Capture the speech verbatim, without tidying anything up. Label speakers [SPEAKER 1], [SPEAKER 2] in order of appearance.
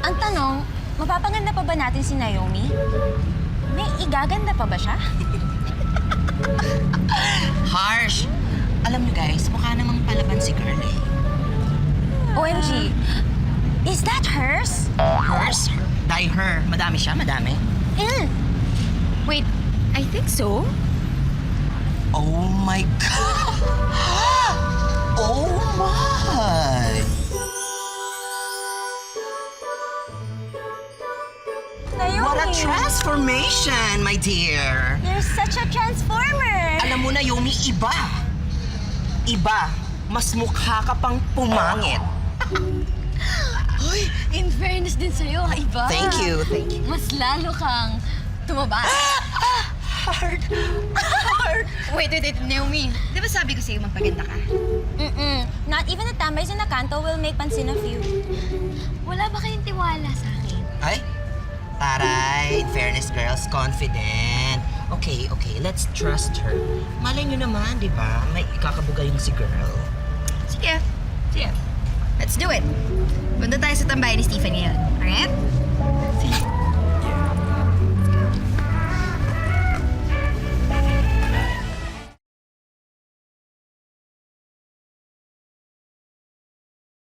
[SPEAKER 1] Ang tanong, mapapaganda pa ba natin si Naomi? May igaganda pa ba siya?
[SPEAKER 2] Harsh! Alam niyo guys, mukha namang palaban si girl eh.
[SPEAKER 1] O M G, is that hers?
[SPEAKER 2] Hers? Die her. Madami siya, madami.
[SPEAKER 1] Mm. Wait, I think so.
[SPEAKER 2] Oh my God! Oh my!
[SPEAKER 1] Naomi,
[SPEAKER 2] What a transformation, my dear!
[SPEAKER 1] you're such a transformer!
[SPEAKER 2] Alam mo na, Yomi, iba. Iba. Mas mukha ka pang pumangit.
[SPEAKER 1] Hoy, in fairness din sa'yo, ha, iba.
[SPEAKER 2] Thank you, thank you.
[SPEAKER 1] Mas lalo kang tumaba.
[SPEAKER 2] Hard.
[SPEAKER 1] Hard. Wait, wait, wait, Naomi.
[SPEAKER 3] Di ba sabi ko sa'yo magpaganda ka?
[SPEAKER 1] Mm-mm. Not even the tambays in the canto will make pansin of you. Wala ba kayong tiwala sa akin?
[SPEAKER 2] Ay, taray. In fairness, girls, confident. Okay, okay, let's trust her. Malay nyo naman, di ba? May ikakabuga yung si girl.
[SPEAKER 3] Sige. Sige. Let's do it. Punta tayo sa tambayan ni Stephen ngayon. Alright?